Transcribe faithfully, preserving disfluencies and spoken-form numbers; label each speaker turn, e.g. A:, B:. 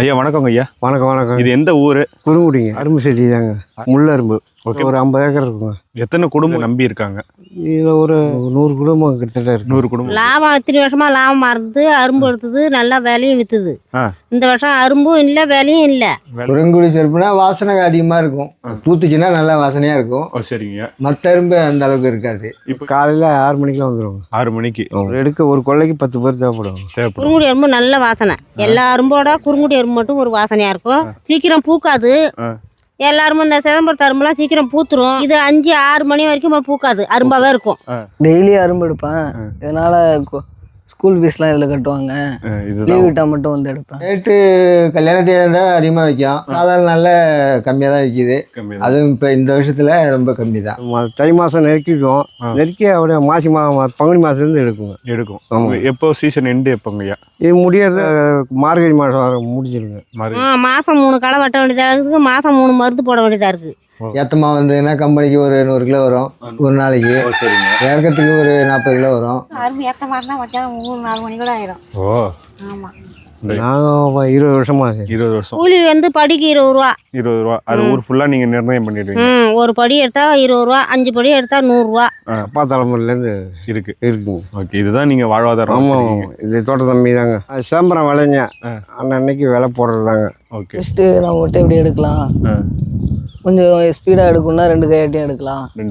A: ஐயா வணக்கங்க ஐயா.
B: வணக்கம் வணக்கம்.
A: இது எந்த ஊர்?
B: குறுங்குடிங்க, அரும்பு செடி தாங்க, முள்ளரும்பு. ஓகே, ஒரு ஐம்பது ஏக்கர் இருக்குங்க.
A: எத்தனை குடும்பம் நம்பி இருக்காங்க?
B: இதில் ஒரு நூறு குடும்பம் கிட்டத்தட்ட இருக்கு.
A: நூறு குடும்பம்.
C: லாபம் இத்தனை வருஷமா லாபமா இருந்தது. அரும்பு எடுத்தது, நல்லா வேலையும் வித்துது. இந்த வருஷம் அரும்பும் இல்லை, வேலையும் இல்லை.
D: குறுங்குடி செருப்புனா வாசனை அதிகமாக இருக்கும், பூத்துச்சுன்னா நல்லா வாசனையாக இருக்கும்.
A: சரிங்க.
D: மற்ற அரும்பு அந்த அளவுக்கு இருக்காது.
B: இப்போ காலையில் ஆறு மணிக்கெலாம் வந்துடுவாங்க.
A: ஆறு மணிக்கு
B: எடுக்க ஒரு கொள்ளைக்கு பத்து பேர் தேவைப்படுவாங்க.
A: தேவைப்படும்.
C: குறுங்குடி அரும்பு நல்ல வாசனை. எல்லா அரும்போட குறுங்குடி அரும்பு மட்டும் ஒரு வாசனையா இருக்கும். சீக்கிரம் பூக்காது. எல்லாரும் இந்த சிதம்பரத்து அரும்புலாம் சீக்கிரம் பூத்துரும். இது அஞ்சு ஆறு மணி வரைக்கும் பூக்காது, அரும்பாவே இருக்கும்.
E: டெய்லி அரும்பு எடுப்பேன். இதனால ஸ்கூல் ஃபீஸ்லாம் இதில் கட்டுவாங்க. லீவ் விட்டால் மட்டும் வந்து எடுப்பேன்.
D: ரேட்டு கல்யாணத்தில் இருந்தால் அதிகமாக விற்கும், சாதாரண நாளில் கம்மியாக தான் விற்கிது. அதுவும் இப்போ இந்த வருஷத்தில் ரொம்ப கம்மி தான்.
B: தை மாதம் நெருக்கிக்கும், நெருக்கி அப்படியே மாசி மா பங்குனி மாதத்துலேருந்து எடுக்குங்க.
A: எடுக்கும். எப்போ சீசன் எண்டு எப்போங்க ஐயா?
B: இது முடியறது மார்கழி மாதம் முடிஞ்சிருங்க.
C: மாதம் மூணு களை வெட்ட வேண்டியதாக இருக்குது, மாதம் மூணு மருந்து போட வேண்டியதாக இருக்குது.
D: ஏத்தமா வந்ததுன்னா கம்பெனிக்கு ஒரு நூறு கிலோ வரும் ஒரு நாளைக்கு. இறக்கத்துக்கு ஒரு நாற்பது கிலோ வரும்.
C: அரும்பு ஏற்றமா இருந்தால் மத்தியானம் மூணு நாலு மணி கூட ஆயிடும்.
A: ஓ
C: ஆமாம்.
B: நாங்கள் இருபது வருஷமா
A: இருபது வருஷம்
C: கூலி வந்து படிக்கு இருபது ரூபா.
A: இருபது ரூபா. அது ஊர் ஃபுல்லாக நீங்கள் நிர்ணயம் பண்ணிடுவீங்க.
C: ம் ஒரு படி எடுத்தால் இருபது ரூபா, அஞ்சு படி எடுத்தால் நூறுரூவா.
B: அப்பா தலைமுறையிலேருந்து
A: இருக்கு
B: இருக்குங்க.
A: ஓகே, இதுதான் நீங்கள் வாழ்வாதாரம்.
B: ஆமாம், இது தோட்ட தம்பி தாங்க. அது சிதம்பரம் விளைஞ்ச அன்னன்னைக்கு விலை போடுறது தாங்க.
A: ஓகே,
E: ஃபஸ்ட்டு நம்ம மட்டும் எப்படி எடுக்கலாம், கொஞ்சம் ஸ்பீடாக எடுக்கணும்னா ரெண்டு கையாட்டியும் எடுக்கலாம்.